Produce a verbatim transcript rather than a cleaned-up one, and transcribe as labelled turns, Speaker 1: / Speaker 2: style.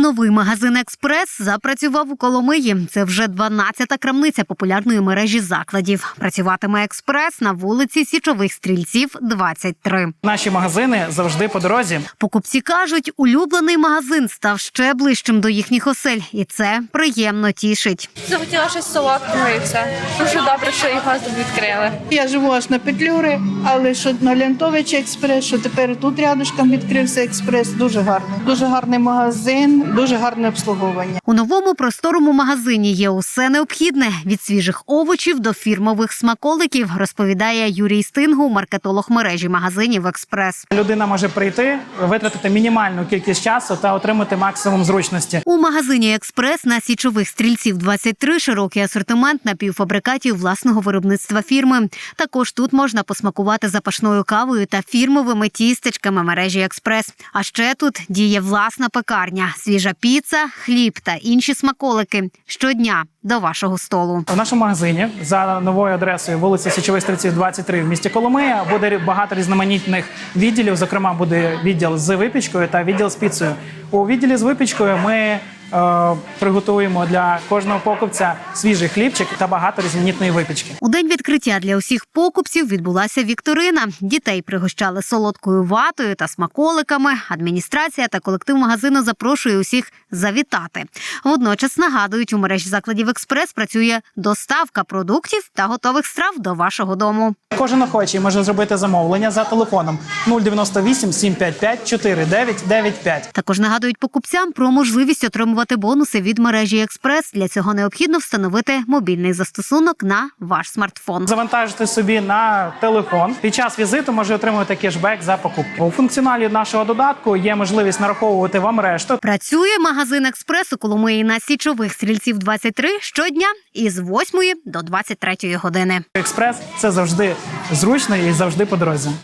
Speaker 1: Новий магазин «Експрес» запрацював у Коломиї. Це вже дванадцята крамниця популярної мережі закладів. Працюватиме «Експрес» на вулиці Січових Стрільців, двадцять три.
Speaker 2: Наші магазини завжди по дорозі.
Speaker 1: Покупці кажуть, улюблений магазин став ще ближчим до їхніх осель. І це приємно тішить.
Speaker 3: Захотіла щось солодкого і все. Дуже добре, що його відкрили.
Speaker 4: Я живу аж на Петлюри, але що на Лянтовичі експрес, що тепер тут рядышком відкрився експрес. Дуже гарний. Дуже гарний магазин, дуже гарне обслуговування.
Speaker 1: У новому просторому магазині є усе необхідне – від свіжих овочів до фірмових смаколиків, розповідає Юрій Стингу, маркетолог мережі магазинів «Експрес».
Speaker 2: Людина може прийти, витратити мінімальну кількість часу та отримати максимум зручності.
Speaker 1: У магазині «Експрес» на Січових Стрільців, двадцять три широкий асортимент напівфабрикатів власного виробництва фірми. Також тут можна посмакувати запашною кавою та фірмовими тістечками мережі «Експрес». А ще тут діє власна пекарня, свіжа піца, хліб та інші смаколики щодня до вашого столу.
Speaker 2: В нашому магазині за новою адресою вулиця Січових Стрільців, двадцять три в місті Коломия буде багато різноманітних відділів. Зокрема, буде відділ з випічкою та відділ з піцею. У відділі з випічкою ми Е, приготуємо для кожного покупця свіжий хлібчик та багато різноманітної випічки.
Speaker 1: У день відкриття для усіх покупців відбулася вікторина. Дітей пригощали солодкою ватою та смаколиками. Адміністрація та колектив магазину запрошує усіх завітати. Водночас нагадують, у мережі закладів «Експрес» працює доставка продуктів та готових страв до вашого дому.
Speaker 2: Кожен охочий може зробити замовлення за телефоном нуль дев'яносто вісім сім п'ять п'ять чотири дев'ять дев'ять п'ять.
Speaker 1: Також нагадують покупцям про можливість отримувати бонуси від мережі «Експрес». Для цього необхідно встановити мобільний застосунок на ваш смартфон.
Speaker 2: Завантажити собі на телефон. Під час візиту може отримувати кешбек за покупки. У функціоналі нашого додатку є можливість нараховувати вам решту.
Speaker 1: Працює магазин «Експрес» у Коломиї на Січових Стрільців, двадцять три щодня із восьмої до двадцять третьої години.
Speaker 2: Експрес – це завжди зручно і завжди по дорозі.